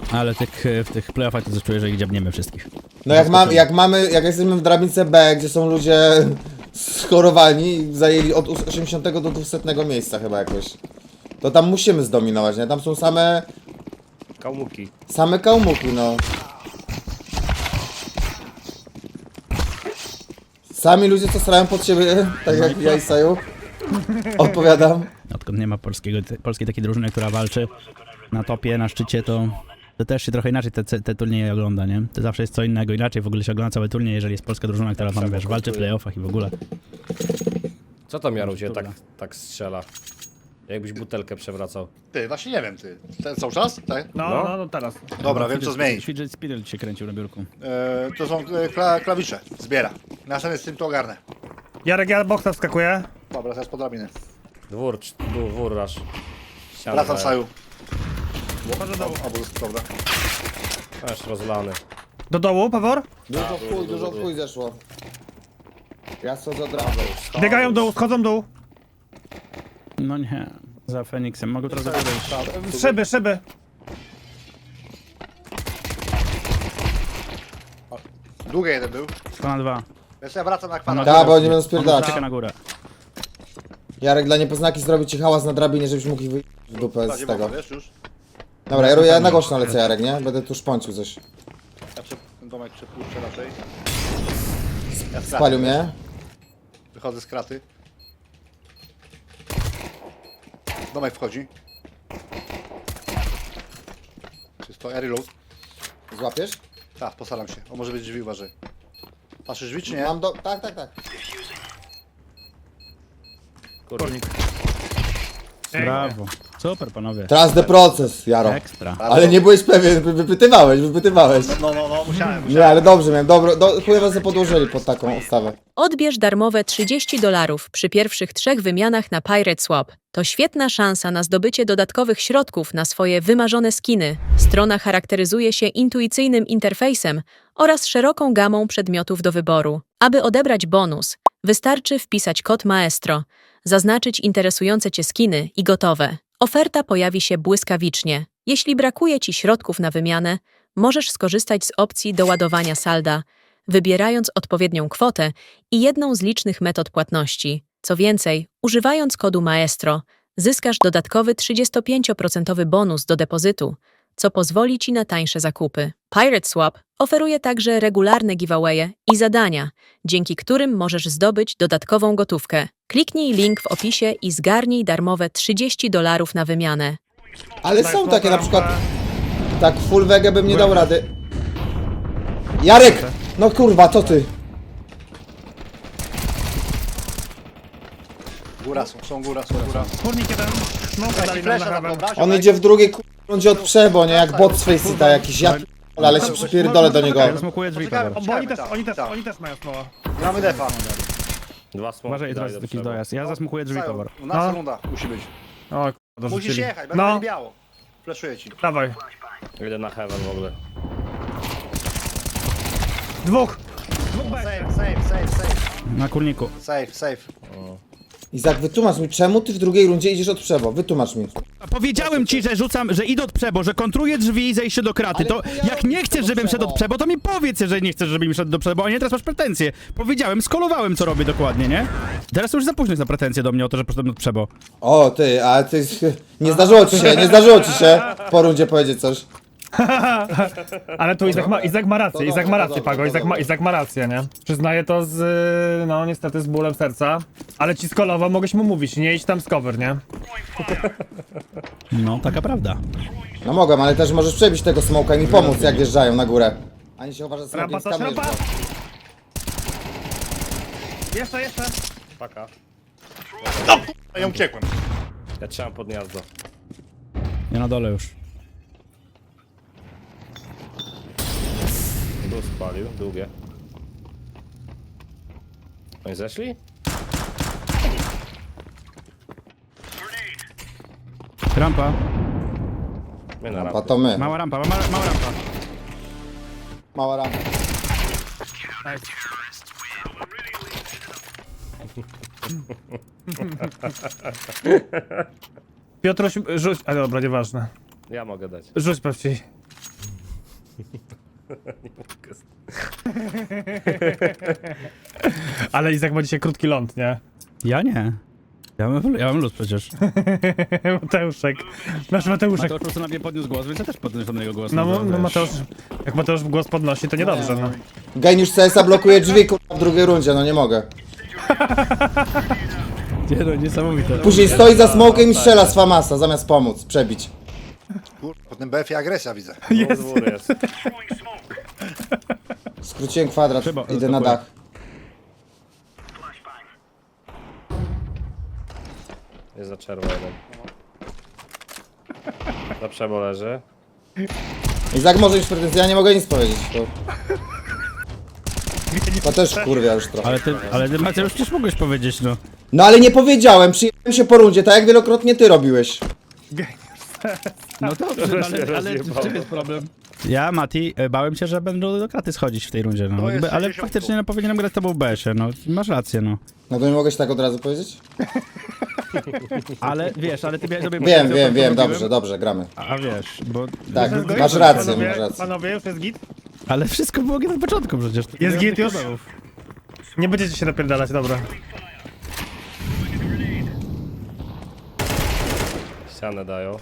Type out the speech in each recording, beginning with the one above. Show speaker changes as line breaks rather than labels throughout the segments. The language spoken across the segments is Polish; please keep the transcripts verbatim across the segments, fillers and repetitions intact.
Ale tych, w tych playoffach to coś czuję, że ich dziabniemy wszystkich.
No jak, mam, jak mamy, jak jesteśmy w drabince B, gdzie są ludzie schorowani, zajęli od osiemdziesiątego do dwusetnego miejsca chyba jakoś. To tam musimy zdominować, nie? Tam są same...
Kałmuki.
Same kałmuki, no. Sami ludzie, co starają pod siebie, tak jak ja i Saju. Odpowiadam.
Odkąd nie ma polskiego, polskiej takiej drużyny, która walczy na topie, na szczycie, to, to też się trochę inaczej te, te turnieje ogląda, nie? To zawsze jest co innego, inaczej w ogóle się ogląda cały turniej, jeżeli jest polska drużyna, która tam, wiesz, walczy w playoffach i w ogóle.
Co tam Jaruzie tak, tak strzela? Jakbyś butelkę przewracał.
Ty, właśnie nie wiem, ty. Ten cały czas? Tak?
No,
No.
no, no teraz.
Dobra, wiem co zmienić.
Fidget spinner się kręcił na biurku.
E, to są e, kla, klawisze. Zbiera. Następnie z tym to ogarnę.
Jarek, ja boksa wskakuję.
Dobra, teraz po drabinie.
Dwór, cz- dwór, dwór rasz. Ścianę
Wracam
daję.
Saju.
Może do,
Obóz, dobra.
Aż rozlany.
do dołu, Pawor?
Dużo w chuj, dużo w chuj zeszło. Ja schodzę od razu.
Biegają dół, schodzą dół.
No nie, za Feniksem. Mogę teraz wyjść.
Szyby, szyby.
Długie jeden był.
Na dwa.
Więc ja wracam na kwadrat.
Tak, bo oni będą
On
spierdalać.
czeka na górę.
Jarek dla niepoznaki zrobi ci hałas na drabinie, żebyś mógł ich wyjść w dupę
Bardziej
z tego.
mogę, wiesz już?
Dobra, ja, ja na głośno lecę, Jarek, nie? Będę tu szponcił coś.
Ja prze, ten domek przepuszczę raczej. Ja z kraty,
Spalił
wiesz?
mnie.
Wychodzę z kraty. Domek wchodzi. Czysto, air reload.
Złapiesz?
Tak, postaram się. O, może być drzwi, uważaj. Patrzysz drzwi czy nie?
Mam do... Tak, tak, tak.
Kurnik.
Brawo. Super, panowie.
Trust the proces, Jaro.
Ekstra.
Ale nie byłeś pewien, wy- wypytywałeś, wypytywałeś.
No, no, no, musiałem.
Nie, ale dobrze miałem, dobro, do, chuj was podłożyli pod taką ustawę.
Odbierz darmowe trzydzieści dolarów przy pierwszych trzech wymianach na Pirate Swap. To świetna szansa na zdobycie dodatkowych środków na swoje wymarzone skiny. Strona charakteryzuje się intuicyjnym interfejsem oraz szeroką gamą przedmiotów do wyboru. Aby odebrać bonus, wystarczy wpisać kod Maestro, zaznaczyć interesujące Cię skiny i gotowe. Oferta pojawi się błyskawicznie. Jeśli brakuje Ci środków na wymianę, możesz skorzystać z opcji doładowania salda, wybierając odpowiednią kwotę i jedną z licznych metod płatności. Co więcej, używając kodu Maestro, zyskasz dodatkowy trzydziestopięcioprocentowy bonus do depozytu, co pozwoli Ci na tańsze zakupy. Pirate Swap oferuje także regularne giveawaye i zadania, dzięki którym możesz zdobyć dodatkową gotówkę. Kliknij link w opisie i zgarnij darmowe trzydzieści dolarów na wymianę.
Ale są takie na przykład... Tak, full wege bym nie dał rady. Jarek! No kurwa, co ty?
Góra są, są góra, są góra.
Kurnik jeden. Smoka dali nam na
Flesza tam,
heaven.
dobra?
On idzie w drugiej ku- rundzie od przebo, nie? Jak bot z Faceita jakiś, ja p- ale się przypierdolę do niego.
Ja zasmokuję drzwi,
Poczekajmy,
Paweł.
O, bo oni też,
Tak,
oni też,
tak.
oni też mają smoła.
Gramy defa.
Dwa smoki.
Uważaj, teraz
daj do
jakiś
przodu.
dojazd. Ja zasmokuję drzwi,
Saju,
Paweł.
nasza
No.
runda musi być.
O, k***a,
Musisz
dorzucili.
jechać, będzie
No,
biało. Fleszuję ci.
dawaj.
Idę na heaven w ogóle.
Dwóch. Dwóch B.
Safe, safe, safe, safe.
Na kurniku.
Safe, safe.
Izak, wytłumacz mi, czemu ty w drugiej rundzie idziesz od przebo? Wytłumacz mi.
A powiedziałem ci, że rzucam, że idę od przebo, że kontruję drzwi i zejście do kraty.
Ale
To
chuja
jak nie chcesz, żebym szedł od przebo, to mi powiedz, że nie chcesz, żebym szedł do przebo, a nie teraz masz pretensje. Powiedziałem, skolowałem, co robię dokładnie, nie? Teraz to już za późno jest na pretensje do mnie o to, że poszedłem od przebo.
O, ty, ale ty... Nie zdarzyło ci się, nie zdarzyło ci się po rundzie powiedzieć coś.
Ale tu Izak ma, Izak ma
To
rację,
dobrze,
Izak ma
to
rację,
dobrze,
Pago,
to
Izak ma,
dobrze.
Izak ma rację, nie? Przyznaję to z, no niestety z bólem serca, ale ci skolował, mogłeś mu mówić, nie idź tam z cover, nie?
No, taka prawda.
No mogłem, ale też możesz przebić tego smoka i mi pomóc, jak wjeżdżają na górę. Ani się uważa, że
Rampa,
smokiem
to
skamiesz
rampa!
go.
Jeszcze, jeszcze!
Paka.
Ja uciekłem.
Ja trzymam pod gniazdo.
Ja na dole już.
Dół spalił, długie. Oni zeszli?
Rampa.
My na
Rampa
rampie.
to my.
Mała rampa, mała, mała rampa.
Mała rampa.
Nice. Piotruś, rzuć, ale dobra, nieważne.
Ja mogę dać.
Rzuć pewnie. Ale Izak ma dzisiaj krótki ląd, nie?
Ja nie. Ja mam, ja mam luz przecież.
Mateuszek. Nasz Mateuszek.
Mateusz po prostu na mnie podniósł głos, więc ja też podniosłem na jego głos.
No,
że
no
wiesz.
Mateusz, jak Mateusz głos podnosi, to niedobrze, no.
Geniusz C S a blokuje drzwi kurwa, w drugiej rundzie, no nie mogę.
Nie no, niesamowite.
Później stoi za smokiem i strzela z Famasa, zamiast pomóc, przebić.
Kur... Po tym B F ie agresja widzę.
Jest. Dwór jest.
Skróciłem kwadrat,
Chyba,
idę na
stopuję.
dach.
Jest za czerwonym. Na przebo leży.
Izak może mieć pretensje, ja nie mogę nic powiedzieć. To, to też kurwia już trochę.
Ale ty, ale ty Mateusz przecież mogłeś powiedzieć, no.
No ale nie powiedziałem, przyjechałem się po rundzie, tak jak wielokrotnie ty robiłeś.
No dobrze, no, ale, ale w czym jest problem? Ja, Mati, e, bałem się, że będą do kraty schodzić w tej rundzie, no.
To jest
Jakby, ale
sześćdziesiąt.
faktycznie no, powinienem grać z tobą w B S ie, no. Masz rację, no.
No to nie mogę się tak od razu powiedzieć?
Ale wiesz, ale ty miałeś sobie...
Wiem, wiem, wiem, dobrze, dobrze, gramy.
A wiesz, bo...
Tak,
Jest
masz
git?
rację,
Panowie,
masz rację.
panowie, już jest git?
Ale wszystko było na początku przecież. to nie
Jest
ma
git
żadnych
już?
problemów.
Nie będziecie się napierdalać, dobra.
Ścianę dają.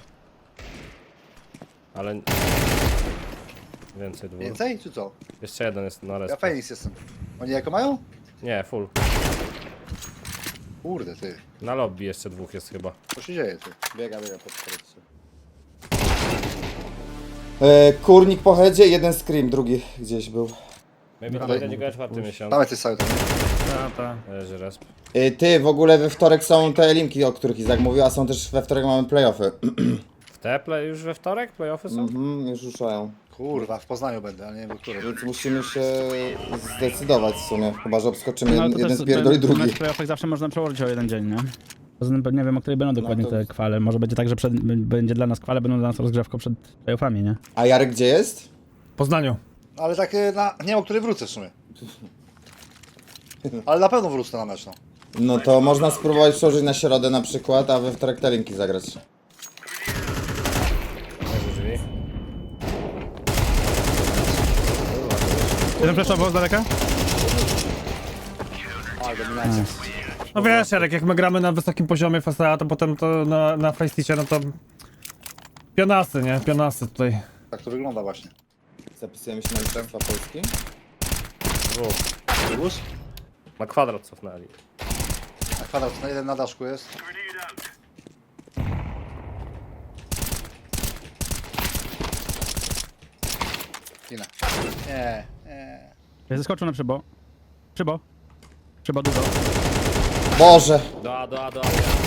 Ale... Więcej dwór.
Więcej, czy co?
Jeszcze jeden jest na
Ja
respie.
Fenix jestem. Oni jako mają?
Nie, full.
Kurde, ty.
Na lobby jeszcze dwóch jest chyba.
Co się dzieje, ty?
Biega, biega pod korytce. E, kurnik po headzie, jeden scream, drugi gdzieś był.
Maybe to będzie grać czwarty miesiąc.
Dawaj ty cały tam.
Ta, ta.
Leży resp.
E, ty, w ogóle we wtorek są te linki, o których Izak mówił, a są też we wtorek mamy playoffy.
W te play już we wtorek playoffy są?
Mhm, już ruszają.
Kurwa, w Poznaniu będę, ale nie wiem, w którym.
Więc musimy się zdecydować w sumie, chyba że obskoczymy
No, ale
jeden,
to
jeden
też-
spierdoli
ten
drugi.
mecz playoffek zawsze można przełożyć o jeden dzień, nie? Poza tym nie wiem, o której będą dokładnie
to-
te kwale. Może będzie tak, że przed, będzie dla nas kwale, będą dla nas rozgrzewką przed playoffami, nie?
A Jarek gdzie jest?
W Poznaniu.
Ale tak y, na... nie wiem, o której wrócę w sumie. Ale na pewno wrócę na mecz, no.
No to można spróbować przełożyć na środę na przykład, a we wtorek te linki zagrać.
Leży drzwi.
Jeden flashował z daleka?
Ale dominacja.
No wiesz, Jarek, jak my gramy na wysokim poziomie F S A, to potem to na, na Faceticie, no to... Pionasy, nie? Pionasy tutaj.
Tak to wygląda właśnie.
Zapisujemy się na Mistrzostwa Polski.
Dwóch.
Plus?
Na kwadrat cofnęli.
A kwadrat na jeden na daszku jest. Inna. Nie, nie.
Ja zeskoczył na przybo. Przybo. Przybo dużo.
Boże!
Do A, do A, do A.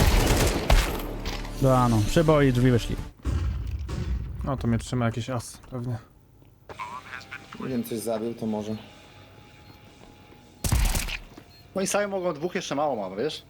No, no. Przybo i drzwi wyszli.
No to mnie trzyma jakiś as, pewnie.
Nie wiem, coś zabił, to może.
Oni sami mogą, dwóch jeszcze mało mam, wiesz?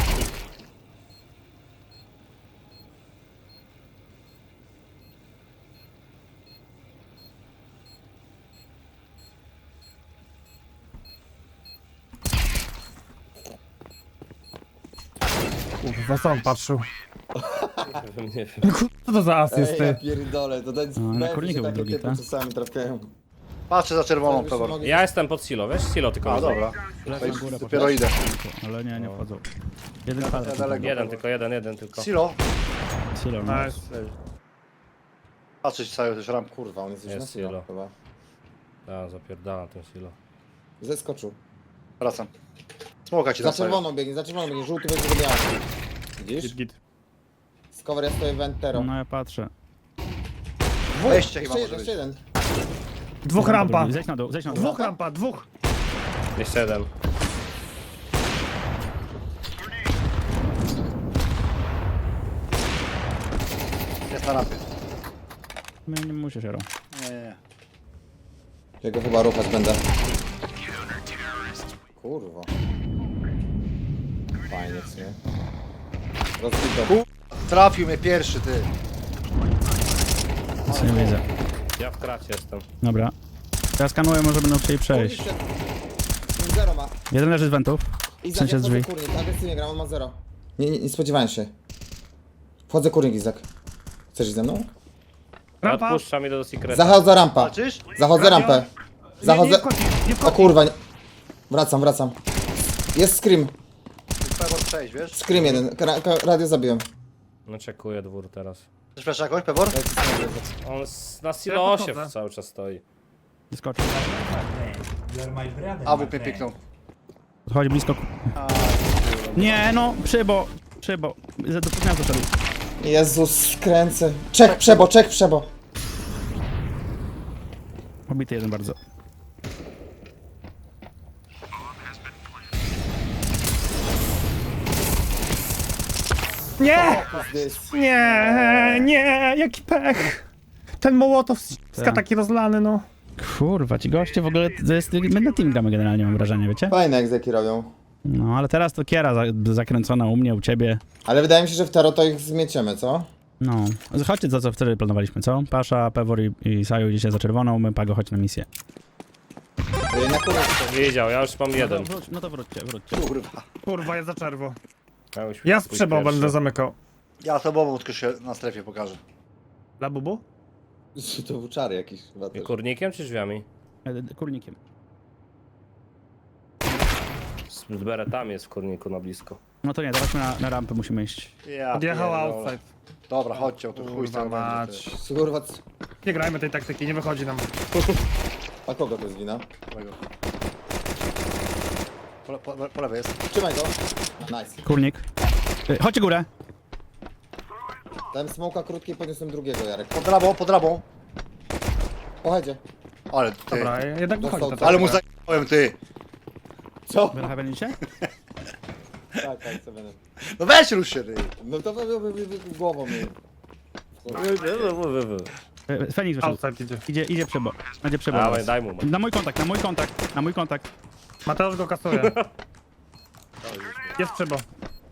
Kurwa, co on patrzył?
Nie wiem.
Co to za as jest,
ja
ty?
pierdolę, to dać
No, na kurniku był drugi, tak?
czasami trafiają.
Patrzę za czerwoną,
Jakbyśmy
Pewor.
mogli-
Ja jestem pod silo, wiesz? Silo tylko
A,
widzę.
dobra.
Lecę na górę,
Dopiero idę.
ale nie, nie wchodzą. Jeden kwadrat.
daleko.
Jeden, tylko jeden, jeden tylko.
Silo.
Silo, no.
Nice.
Patrzeć cały też ram.
Kurwa, on jest już
Jest
na silo
silo.
chyba.
Ja zapierdalam ten silo.
Zeskoczył.
Wracam. Smoka ci
Za
tam stawiam.
czerwoną biegnie, za czerwoną biegnie, żółty będzie biały. Widzisz?
Git, git.
Z cover ja stoję wentero.
No ja patrzę.
Wejście chyba
Jeszcze
może
jeden,
być.
jeszcze jeden.
Dwóch rampa.
Zejdź na dół, zejdź na dół.
Dwóch rampa, dwóch.
Jeszcze jeden.
Jest na rampie.
Nie, nie musisz, Jaro.
Nie, nie, nie.
Jego chyba ruchać będę. Kurwa. Fajnie, co nie? Rozbito.
Trafił mnie pierwszy, ty.
Nic nie widzę.
Ja w kracie jestem.
Dobra. Teraz skanuję, może będą chcieli przejść.
Zero ma.
Jeden leży z wentów. W
Izak,
sensie
ja
z
wchodzę
drzwi.
kurnik, agresywnie gram, on ma zero. Nie, nie, nie spodziewałem się. Wchodzę kurnik, Izak. Chcesz iść ze mną?
Ja
Rampa.
odpuszczam, idę do secreta.
Zachodzę rampa.
Walczysz?
Zachodzę
Radio?
rampę.
Nie, nie
Zachodzę...
wchodzi, nie
O
wchodzi.
kurwa, nie... Wracam, wracam. Jest scream.
Pewor przejść, wiesz?
Scream jeden. Ra ka- radio zabiłem.
No czekuję dwór teraz.
Chcesz flash jakoś, Pewor?
On s- na silosie
podchodzę.
cały czas stoi.
Skoczył.
A, W P piknął.
Podchodzi blisko. Nie, no, przybo. Przybo. Do puknia doszedł.
Jezus, skręcę. Czek, przebo, czek, przebo.
Obity jeden bardzo.
Nie! Nie, nie, jaki pech. Ten Mołotow ściska
Tak.
taki rozlany, no.
Kurwa, ci goście w ogóle, to jest, my na team gramy generalnie, mam wrażenie, wiecie?
Fajne egzeki robią.
No, ale teraz to kiera za, zakręcona u mnie, u ciebie.
Ale wydaje mi się, że w Taro to ich zmieciemy, co?
No, chodźcie to, co wtedy planowaliśmy, co? Pasza, Pewor i, i Saju idziecie za czerwoną, my Pago chodź na misję.
Ej, na kurę.
Wiedział, ja już mam jeden.
No to, wróć, no to wróćcie, wróćcie.
Kurwa.
Kurwa, jest za czerwo.
Ja, już
Ja z
pójść
przebą
pierwszy.
będę zamykał.
Ja tobą tylko się na strefie pokażę.
Dla Bubu?
To włóczary jakiś chyba
I
też.
kurnikiem czy drzwiami?
E, Kurnikiem.
Z beretami jest w kurniku na blisko.
No to nie, dawajmy na, na rampę, musimy iść.
Ja
Odjechała
pierdolę.
outside.
Dobra, chodźcie, tu chuj
Kurwa
stary
mać.
będzie.
Kurwa, c-
Nie grajmy tej taktyki, nie wychodzi nam.
a kogo to jest wina?
ty. Po, po, po lewej jest.
Trzymaj go. Nice.
Kurnik. E, chodźcie górę.
Dałem smoka krótkiej, podniosłem drugiego, Jarek.
Pod drabą, pod drabą.
Pochajdzie.
Ale ty.
Dobra, jednak wychodzi
Dostał
to.
Ale mu zajebałem, ty.
Co?
Wy na Heavenicie?
Tak, tak, sobie.
No weź rusz się, ty.
No to wy, wy, wy, wy, głową mi.
E, Feniks wyszedł.
Outside idzie.
Idzie, idzie przebo. Będzie przebo.
Dawaj,
teraz.
daj mu.
Na mój kontakt, na mój kontakt, na mój kontakt.
Mateusz go kasuje. Jest przebo.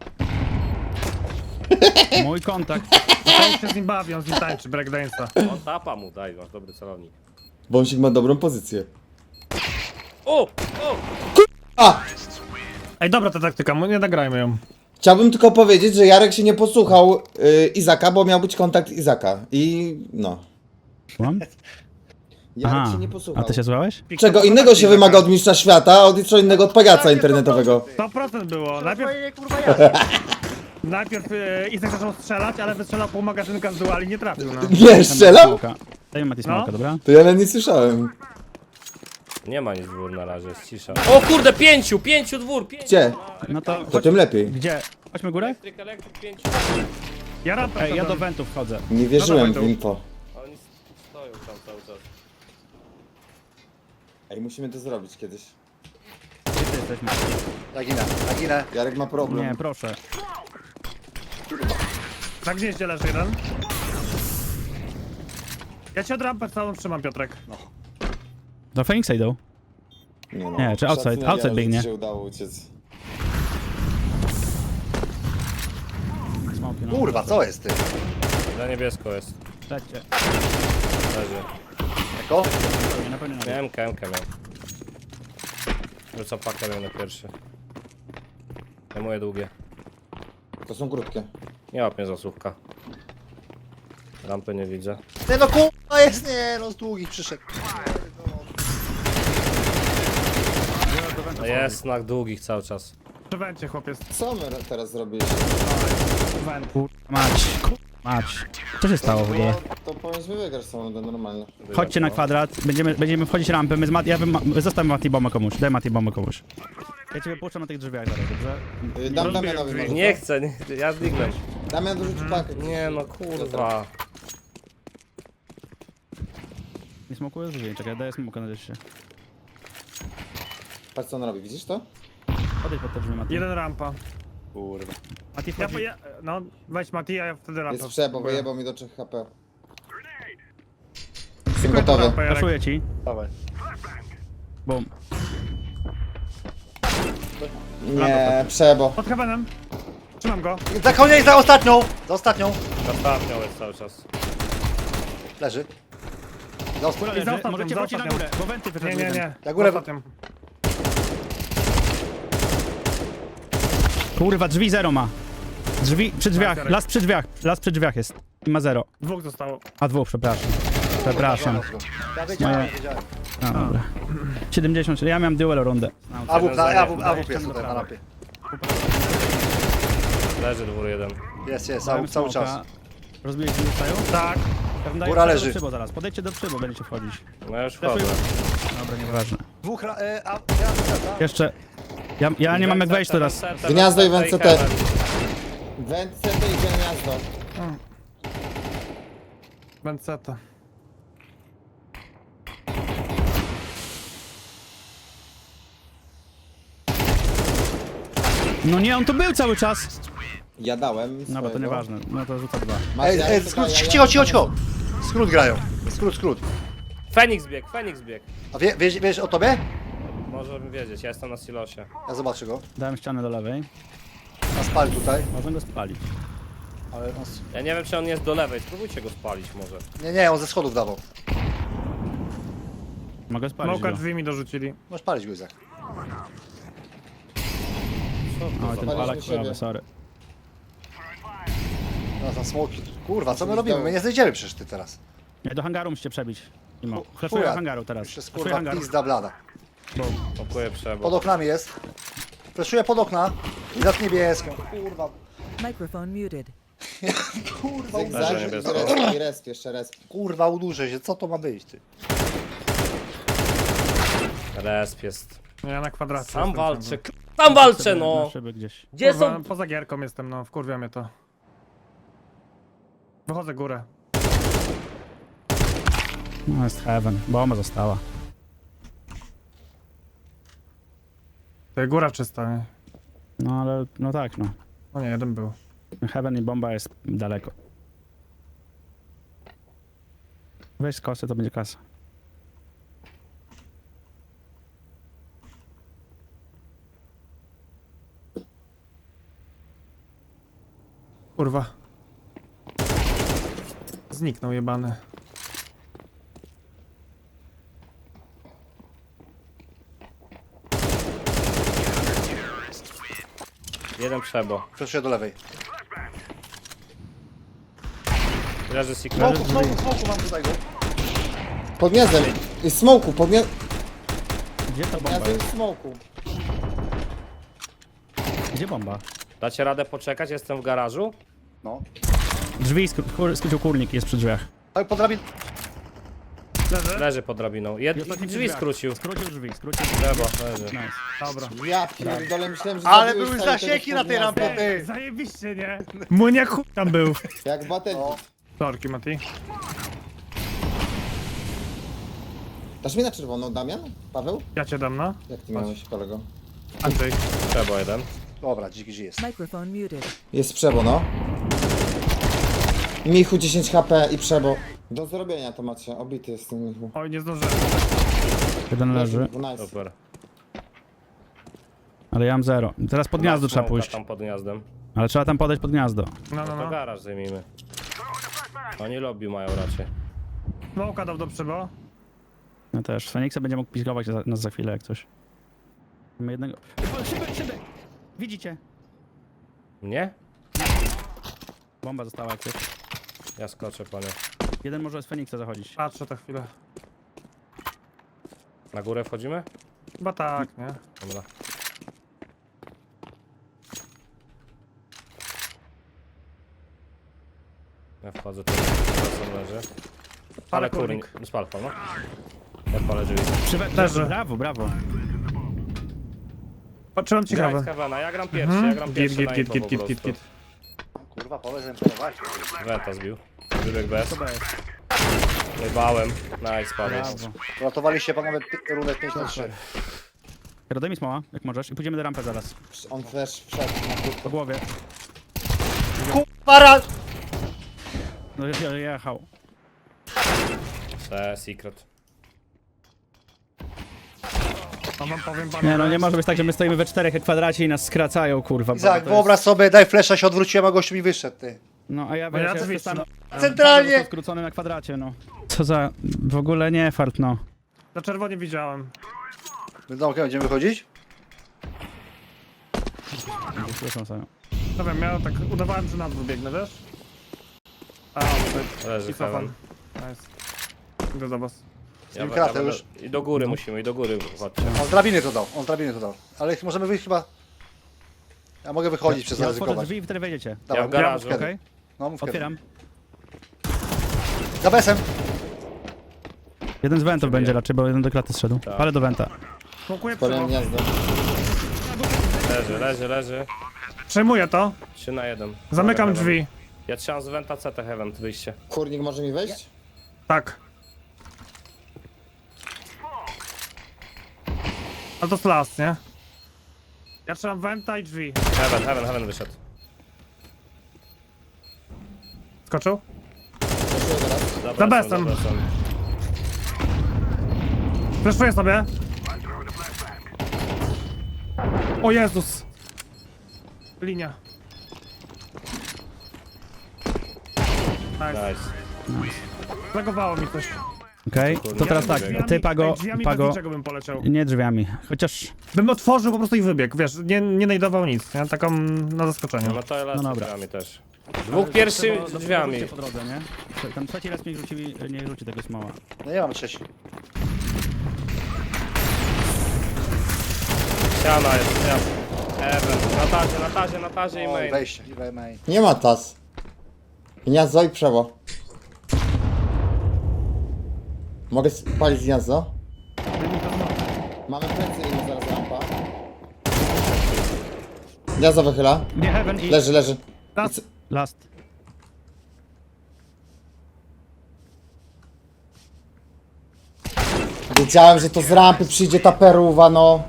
Mój kontakt.
Mateusz się z nim bawi, on z nim tańczy, breakdance'a.
On tapa mu, daj, masz dobry celownik.
Wąsik ma dobrą pozycję.
O! O!
A!
Ej, dobra ta taktyka, mo- nie nagrajmy ją.
Chciałbym tylko powiedzieć, że Jarek się nie posłuchał y, Izaka, bo miał być kontakt Izaka. I no.
Słucham?
Jarek
Aha,
się nie
a
posłuchał.
ty się słuchałeś?
Czego innego się wymaga od mistrza świata, a od co innego od pagaca internetowego.
sto procent było. Najpierw,
Najpierw... kurwa ja.
najpierw e, Izak zaczął strzelać, ale wystrzelał pół magazynka z duali, nie trafił, no.
Nie, strzelał?
Smoka. Dajmy Mati smoka,
No.
dobra?
To ja nawet nie słyszałem.
Nie ma nic dwór na razie, jest cisza. O kurde, pięciu, pięciu dwór, pięciu!
Gdzie?
No to,
To tym lepiej.
gdzie? Chodźmy górę?
Elektryk, elektryk, pięciu.
Ja rampę
Ej, ja do
wszedłem.
wentów wchodzę.
Nie wierzyłem
No
w
dawaj
info.
Oni stoją tam cały czas.
Ej, musimy to zrobić kiedyś.
Gdzie ty jesteśmy?
Ja ginę, ja ginę.
Jarek ma problem.
Nie, proszę.
Na gnieździe leży jeden. Ja ci od rampę całą trzymam, Piotrek.
Do Feniksa idą.
Nie, no.
Nie, czy outside-
Szacunek,
outside
Jarek,
biegnie.
że ci się udało uciec.
Smoki, no.
Kurwa, co jest, ty?
Za niebiesko jest.
Lećcie.
Leży.
Jako?
Nie, na pewno nie.
Miałem K M K miał. Rzuca pakę miał na pierwszy. Ja moje długie.
To są krótkie.
Nie łap mnie zasłówka. Rampy nie widzę.
Ty no kurwa jest, nie, no z długich przyszedł.
No jest na długich cały czas.
Przy wencie, chłopiec.
Co my teraz zrobiliśmy?
Went.
Mać, mać. Co się stało w ogóle?
To powinniśmy wygrać tą rundę normalnie.
Chodźcie na kwadrat, będziemy, będziemy wchodzić rampę, my z Mat, ja bym, zostaw Mati bombę komuś, daj Mati bombę komuś. Ja cię wypuszczam na tych drzwiach zaraz, dobrze?
Y, Dam
rozbiję
Damianowi
drzwi.
może.
Nie chcę, nie, ja zniknę.
Damian dorzuci pakę.
Nie no kurwa.
Nie smokuję drzwi, czekaj, daję smoka na deszcie.
Patrz co on robi, widzisz to?
Odejdź pod te drzwi, Mati.
Jeden rampa.
Kurwa.
Mati
Ja,
wchodzi.
ja, no, weź Mati, a ja wtedy rampę.
Jest przebo, wyjebał mi do trzech H P. Jestem
Tylko
gotowy.
rampę, Jarek.
Raszuję ci,
Dawaj.
bum.
Nie, przebo.
Pod heavenem. Trzymam go.
Za koniec, za ostatnią! Za ostatnią.
Ostatnią jest cały czas.
Leży. Za ostatnią.
Góra leży,
ostatnią,
możecie
za
wrócić na
ostatnią.
górę, bo wenty
Nie,
wyszedł
nie,
jeden.
nie.
Ja górę-
Ostatnią.
Kurwa, drzwi zero ma. Drzwi, przy drzwiach,
Jarek.
las przy drzwiach, las przy drzwiach jest. I ma zero.
Dwóch zostało.
A dwóch, przepraszam. Przepraszam.
Ja wiedziałem,
Moje-
wiedziałem.
No, dobra. siedemdziesiąt, ja miałem duel rundę.
A W, na, a W, a W
Jeszcze
jest
do
tutaj na
prawej.
rampie.
Leży dwór jeden.
Jest, jest,
Dałem
cały, cały
smoka.
czas.
Rozbiliście zostają?
Tak.
Ja wam daję
Góra
do
leży.
przybo zaraz. Podejdźcie do przybo, będziecie wchodzić.
No ja już wchodzę.
Dobra, nieważne.
Dwóch, ra- e, a, ja wyszedłem.
Jeszcze... Ja, ja nie mam jak wejść teraz.
Gniazdo i
Went
Went C T. Went C T i gniazdo.
Benceta.
No nie, on tu był cały czas.
Ja dałem
No bo to
swojego.
nieważne. No to rzucę dwa.
Macie,
Ej,
ja
ej,
jeszcze
skrót,
daję, ja-
cicho, cicho, cicho. Skrót grają. Skrót, skrót.
Feniks bieg, Feniks bieg.
A wie, wiesz, wiesz o tobie?
Możemy wiedzieć, ja jestem na silosie.
Ja zobaczę go.
Dałem ścianę do lewej.
A spali tutaj.
Można go spalić.
Ale on... s-
Ja nie wiem, czy on jest do lewej, spróbujcie go spalić może.
Nie, nie, on ze schodów dawał.
Mogę spalić
Smoka
go.
drzwi mi dorzucili.
Możesz palić go, Izak.
Oj, ten
Spaliśmy
palak
siebie.
prawy, sorry.
No za smoki. Kurwa, co my
Musimy
robimy?
zdołu.
My nie znajdziemy przecież ty teraz.
Nie, do hangaru musicie przebić. Imo.
Chu-
Flashuję
chuja.
do hangaru teraz.
Jeszcze jest
Flashuję
kurwa
hangar.
pizda blada.
Okuję przebo.
Pod oknami jest. Fleszuję pod okna. I za niebieską. Kurwa.
Microphone muted.
Kurwa,
Zygzak
Leży
i
niebiesko.
resp, i resp, jeszcze resp.
kurwa, udurzę się. Co to ma być, ty?
Resp jest.
Ja na kwadracie.
Sam
jestem
walczę,
ciągle.
k- tam walczę
Sobie Na
no!
szyby gdzieś.
Gdzie
Kurwa,
są?
poza gierką jestem, no, wkurwia mnie to. Wychodzę górę.
No jest heaven. Bomba została.
To jest góra czysta, nie?
No ale, no tak no.
No nie, jeden był.
Heaven i bomba jest daleko. Weź z kosy, to będzie kasa.
Kurwa. Zniknął jebany.
Jeden przebo.
Fleszuję do lewej.
Leży secret.
Smoku, smoku, smoku mam tutaj go.
Pod gniazdem. I smoku, pod gniazdem.
Gdzie ta bomba
Gniazdem
jest?
i smoku.
Gdzie bomba?
Dacie radę poczekać? Jestem w garażu.
No.
Drzwi, skró- kur- skrócił kurnik, jest przy drzwiach.
Ale pod drabin...
Leży?
Leży pod drabiną.
I
Jed...
ostatni przy
Drzwi
drzwiach.
skrócił.
Skrócił drzwi, skrócił.
Przebo, leży.
Nice.
Dobra.
Ja pierdolę, myślałem, że
Ale
zabiłeś
były
cały
zasieki
tego
na tej
gniazda.
rampie, ty.
Zajebiście, nie? Muniak chuj tam był.
Jak Battlefield.
No.
Sorki, Mati.
Dasz mi na czerwoną, Damian? Paweł?
Ja cię dam, no.
Jak ty miałeś, kolego?
Andrzej.
Przebo jeden.
Dobra, dziki G jest.
Microphone muted.
Jest przebo, no. Michu dziesięć H P i przebo. Do zrobienia to macie, obity jest ten Michu.
Oj, nie zdążyłem.
Jeden leży,
Nice.
Super.
ale ja mam zero. Teraz pod gniazdo trzeba
Smoka
pójść.
tam pod gniazdem.
Ale trzeba tam podejść pod gniazdo.
No, no,
To
no.
garaż zajmijmy. Oni lobby mają raczej.
Smoka dał do przybo.
Ja też. Feniksa będzie mógł pizgować za- nas za chwilę jak coś. Mamy jednego... O, szyby, szyby! Widzicie?
Nie?
Bomba została jak coś.
Ja skoczę, panie.
Jeden może z Feniksa zachodzić.
Patrzę to chwilę.
Na górę wchodzimy?
Chyba tak, nie?
Dobra. Ja wchodzę tu. Tam leży. Ale kurnik. Spal pan, no. Ja palę drzwi.
Przywe...
Leży.
Brawo, brawo.
Patrzyłem
Graj
ciekawe.
z Heavena, ja gram pierwszy, ja gram
Git,
pierwszy
git,
na
git,
info
git,
po
git, git,
prostu.
git.
Kurwa, powiedz, że imponować.
Wenta zbił. Wybieg bez.
To jest.
Jebałem. Nice, padł.
Brawo.
Uratowaliście panowie pi- rundę pięć na trzy.
Daj mi smoła, jak możesz. I pójdziemy do rampy zaraz.
On flash wszedł na krótko.
Po głowie.
Para!
No je- je- jechał.
Te secret.
No wam powiem panu.
Nie no, nie może być tak, że my stoimy we czterech kwadracie i nas skracają, kurwa. bo
Izak,
to
wyobraź sobie, daj flesza, się odwróciłem, a gościu mi wyszedł, ty.
Jest... No a ja
No ja
wiesz,
drzwi
jestem
Centralnie!
został skrócony na kwadracie, no. Co za... w ogóle nie fart, no.
Na czerwonie widziałem.
My z domkiem będziemy wychodzić?
Słyszą sobie.
No wiem, ja tak udawałem, że na dwóch biegnę, wiesz? A, tutaj.
Leży
I cofam.
heaven.
Nice. Idę do was.
Ja, ja,
kratę
będę-
już.
I do góry musimy, i do góry chodźcie.
On z drabiny to dał, on z drabiny to dał. Ale możemy wyjść chyba... Ja mogę wychodzić przez
Ja otworzę
zaryzykować.
drzwi i wtedy wejdziecie.
Ja w garażu.
mów kiedy.
Okej?
No mów kiedy.
Otwieram.
Za besem.
Jeden z wentów będzie raczej, bo jeden do klaty zszedł.
Tak.
Ale do wenta.
Smokuję
Spaliłem
przebo.
gniazdo.
Leży, leży, leży.
Przejmuję to.
trzy na jeden.
Zamykam
Heaven.
drzwi.
Ja trzymam z Venta C T Heaven, wyjście.
Kurnik może mi wejść?
Tak. A to jest las, nie? Ja trzymam wenta i drzwi.
Heaven, Heaven, Heaven wyszedł.
Skoczył?
Za
Za
besem,
besem.
za besem.
Fleszuję sobie. O Jezus. Linia. Nice.
Nice.
Zagowało mi coś.
Okej? To teraz tak,
Drzwiami-
ty Pago,
ej, drzwiami
Pago,
bez niczego bym poleciał.
nie drzwiami. Chociaż,
Bym otworzył po prostu i wybiegł, wiesz, nie, nie najdował nic, nie? Taką na zaskoczeniu.
No to ja lecę
No dobra.
drzwiami też. Dwóch pierwszy
Trzeba-
drzwiami.
rzućcie po drodze, nie? Tam trzeci raz nie rzuci, nie rzuci tego smoła.
No nie mam trzeci.
Ściana jest, ja. Heaven, na tazie, na tazie, na tazie i
Oj,
main.
wejście, i we- main.
Nie ma tas. Gniazdo i przewo. Mogę spalić gniazdo? Mamy plecy i zaraz rampa. Gniazdo wychyla.
Nie, Heaven i
Leży, leży.
Raz.
last.
Wiedziałem, że to z rampy przyjdzie ta peruwa, no.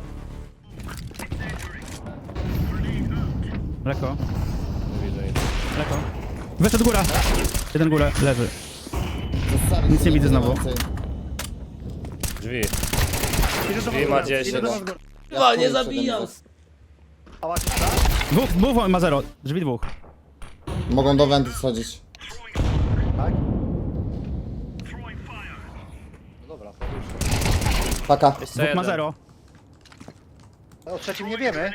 Leko,
Nie widzę nic.
leko. Wyszedł góra. Jeden górę, leży. Nic nie widzę znowu.
Drzwi.
Idę do
Drzwi
was
ma
góra,
dziesięć.
idę do was góra.
Ja nie zabijam.
Dwóch, dwóch ma zero. Drzwi dwóch.
Mogą do wenty schodzić.
Tak? No dobra, to już.
Paka.
Jeszcze
Dwóch ma
jeden.
zero.
No, o trzecim nie wiemy.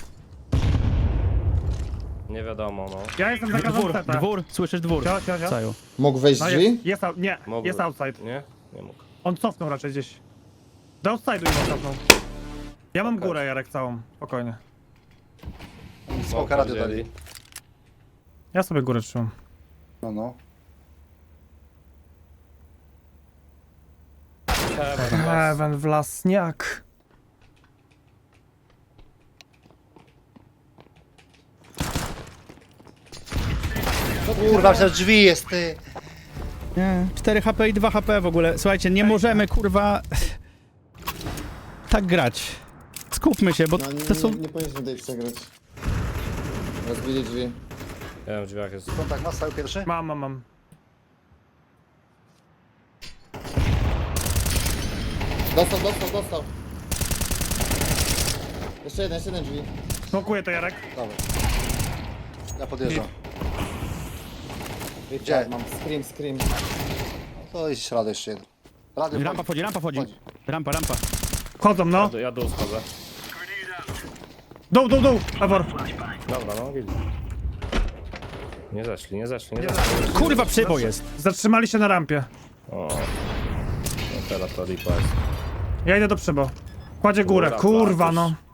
Nie wiadomo, no.
Ja jestem za każdą
Dwór,
setę.
dwór, słyszysz dwór.
Cio, cio, cio.
Caju.
Mógł wejść
No
drzwi?
jest, jest, out, nie,
Mógłby.
jest outside.
Nie? Nie mógł.
On cofnął raczej gdzieś. Do outside'u im cofnął. Ja mam górę, Jarek, całą. Spokojnie.
Smoka radio
wzięli.
dali.
Ja sobie górę trzymam.
No, no.
Heaven,
Heaven wlasniak.
Kurwa, przez drzwi jest, ty.
Nie, cztery H P i dwa H P w ogóle. Słuchajcie, nie możemy, kurwa, tak grać. Skupmy się, bo
No nie,
to są...
nie, nie powinniśmy tutaj przegrać. Rozbili drzwi.
Ja wiem, w drzwiach jest.
Kontakt ma stały pierwszy?
Mam, mam, mam.
Dostał, dostał, dostał. Jeszcze jeden, jeszcze jeden drzwi.
Smokuję to, Jarek.
Dobra. Ja podjeżdżam.
Gdzie? Mam scream, scream.
To jest radio jeszcze jeden. Radio
Rampa
wchodzi.
wchodzi, rampa wchodzi.
Wchodzi.
Rampa, rampa.
Chodzą, no.
Ja, ja dół schodzę.
Dół, dół, dół. Ewor.
Dobra, no widzę. Nie zeszli, nie zeszli, nie zeszli.
Kurwa, przybo jest.
Zatrzymali się na rampie.
O. No teraz to lipa jest.
Ja idę do przybo. Kładzie górę,
Kurwa,
kurwa,
patrz.
no.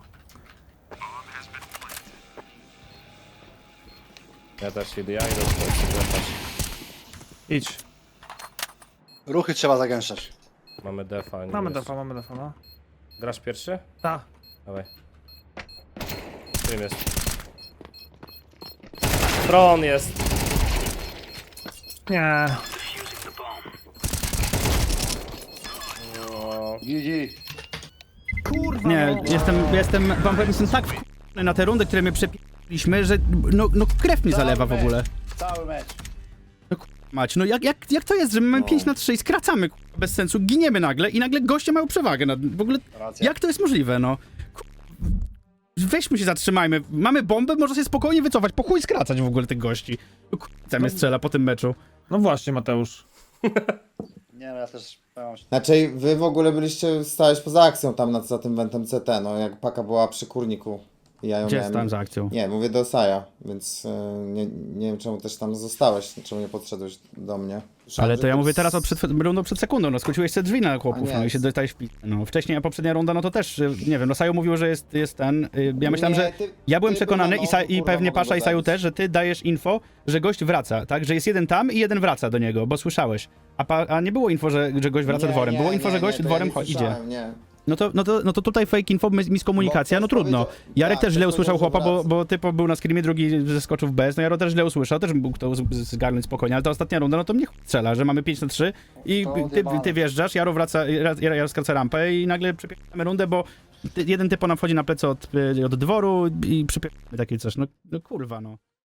Ja też idę, ja idę do
Idź.
Ruchy trzeba zagęszczać.
Mamy defa. nie
Mamy
jest.
defa, mamy defa, no.
Grasz pierwszy?
Ta.
Dawaj. Którym jest? Tron jest.
Nie.
O,
G G.
Kurwa,
Nie,
no.
jestem, jestem, wam powiem, jestem tak wkurwiony na te rundy, które my przepiliśmy, że no, no krew mi zalewa w ogóle.
Cały mecz.
Mać, no jak, jak, jak to jest, że my mamy pięć na trzy i skracamy kurwa, bez sensu, giniemy nagle i nagle goście mają przewagę nad, w ogóle,
Racja.
jak to jest możliwe, no? Kurwa, weźmy się, zatrzymajmy, mamy bombę, można się spokojnie wycofać, po chuj skracać w ogóle tych gości. No, kurwa, mnie strzela po tym meczu.
No właśnie, Mateusz.
Nie no, ja też powiem się.
Znaczy, wy w ogóle byliście, stałeś poza akcją tam nad, za tym wentem C T, no jak paka była przy kurniku. I ja ją
Gdzie
miałem...
stałem za akcją?
Nie, mówię do Saja, więc e, nie, nie wiem czemu też tam zostałeś, czemu nie podszedłeś do mnie. Słyszałem,
Ale
że
to ja
tu
mówię
z-
teraz o przed, rundą przed sekundą, no skróciłeś te drzwi na chłopów,
A nie.
no i się dostałeś w pi- no. Wcześniej, a poprzednia runda, no to też, y, nie wiem, no Saju mówił, że jest, jest ten, y, ja myślałem,
Nie,
że,
ty-
ja byłem
ty
przekonany
była,
i, sa,
no,
i
kurwa,
pewnie
mogę
Pasza i
go
Saju
zabić.
też, że ty dajesz info, że gość wraca, tak, że jest jeden tam i jeden wraca do niego, bo słyszałeś. A, pa, a nie było info, że, że gość wraca
Nie,
dworem,
nie,
było info,
nie,
że gość
nie, to
dworem
ja
cho-
nie
idzie.
słyszałem, Nie.
No to, no, to, no to tutaj fake info, mis- miskomunikacja,
Bo
no
ktoś
trudno.
powiedział-
Jarek
tak,
też źle
ktoś
usłyszał
powiedział,
chłopa,
że
bo,
wraca.
bo typo był na screamie, drugi zeskoczył w bez, no Jaro też źle usłyszał, też mógł to z- z- zgarnąć spokojnie, ale ta ostatnia runda, no to mnie chuj strzela, że mamy pięć na trzy i
To
ty,
odjebane.
ty wjeżdżasz, Jaro wraca, Jaro, Jaro skraca rampę i nagle przypierdolamy rundę, bo ty, jeden typo nam wchodzi na plecy od, od dworu i przypierdolamy takie coś, no, no kurwa no.